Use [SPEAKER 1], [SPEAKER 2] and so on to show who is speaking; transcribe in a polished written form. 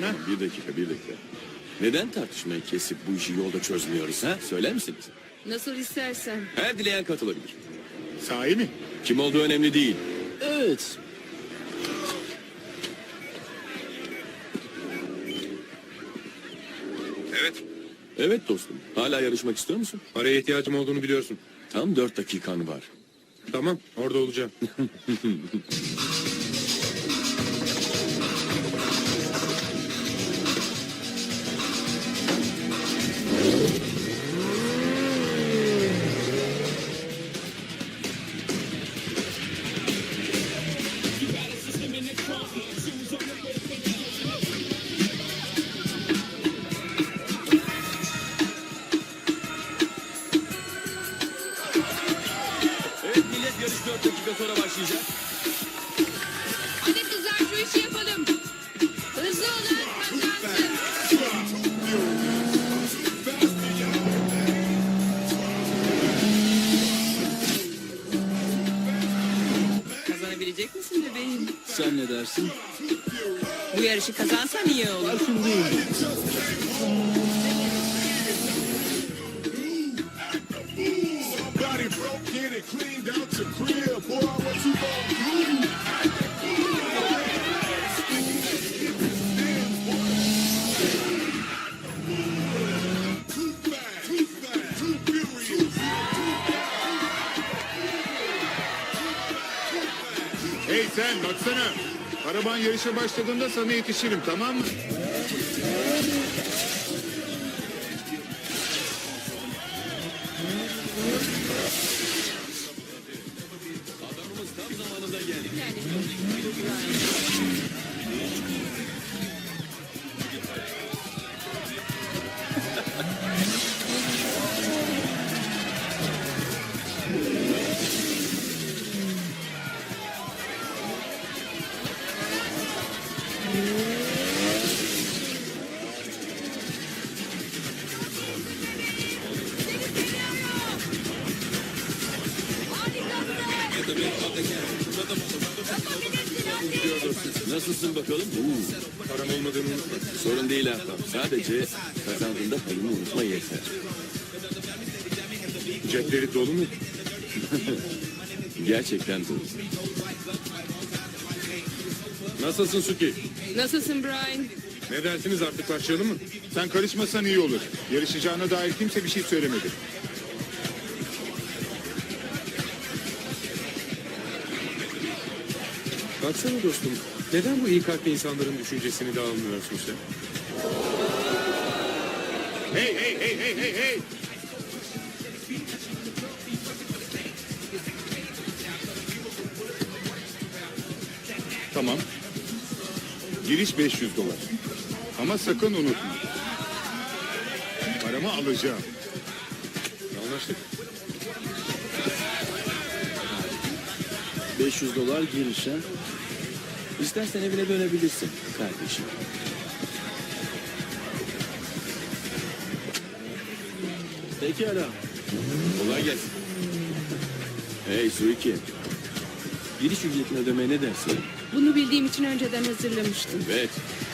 [SPEAKER 1] ha?
[SPEAKER 2] Bir dakika. Neden tartışmayı kesip bu işi yolda çözmüyoruz ha? Söyler misiniz?
[SPEAKER 3] Nasıl istersen.
[SPEAKER 2] Her dileyen katılabilir.
[SPEAKER 1] Sahi mi?
[SPEAKER 2] Kim olduğu önemli değil.
[SPEAKER 4] Evet.
[SPEAKER 5] Evet.
[SPEAKER 2] Evet dostum. Hala yarışmak istiyor musun?
[SPEAKER 5] Paraya ihtiyacım olduğunu biliyorsun.
[SPEAKER 2] Tam 4 dakikan var.
[SPEAKER 5] Tamam, orada olacağım.
[SPEAKER 2] Evet millet, yarış 4 dakika sonra başlayacak.
[SPEAKER 3] Hadi kızlar şu işi yapalım. Hızlı olan kazansın. Kazanabilecek misin bebeğim?
[SPEAKER 4] Sen ne dersin?
[SPEAKER 3] Bu yarışı kazansan iyi olur.
[SPEAKER 4] Parfüm değil.
[SPEAKER 6] Body broke in and cleaned out your crib. Boy, what you gonna do? Too fast, too furious.
[SPEAKER 1] Hey sen baksana. Araban yarışa başladığında sana yetişirim, tamam mı?
[SPEAKER 2] Adamımız tam zamanında geldi. Nasılsın bakalım?
[SPEAKER 5] Param olmadığını unutma.
[SPEAKER 2] Sorun değil Ahbap. Sadece kazandığında payını unutma yeter.
[SPEAKER 5] Cepleri dolu mu?
[SPEAKER 2] Gerçekten dolu.
[SPEAKER 5] Nasılsın Suki?
[SPEAKER 3] Nasılsın Brian?
[SPEAKER 5] Ne dersiniz, artık başlayalım mı?
[SPEAKER 1] Sen karışmasan iyi olur. Yarışacağına dair kimse bir şey söylemedi.
[SPEAKER 5] Baksana dostum, neden bu iyi kalpli insanların düşüncesini de almıyorsun sen?
[SPEAKER 1] Hey! Tamam. Giriş 500 dolar. Ama sakın unutma. Paramı alacağım.
[SPEAKER 5] Anlaştık.
[SPEAKER 4] 500 dolar giriş ha.
[SPEAKER 2] İstersen evine dönebilirsin kardeşim.
[SPEAKER 4] Pekala.
[SPEAKER 2] Kolay gelsin. Hey Suiki. Giriş ücretini ödemeye ne dersin?
[SPEAKER 3] Bunu bildiğim için önceden hazırlamıştım.
[SPEAKER 2] Evet.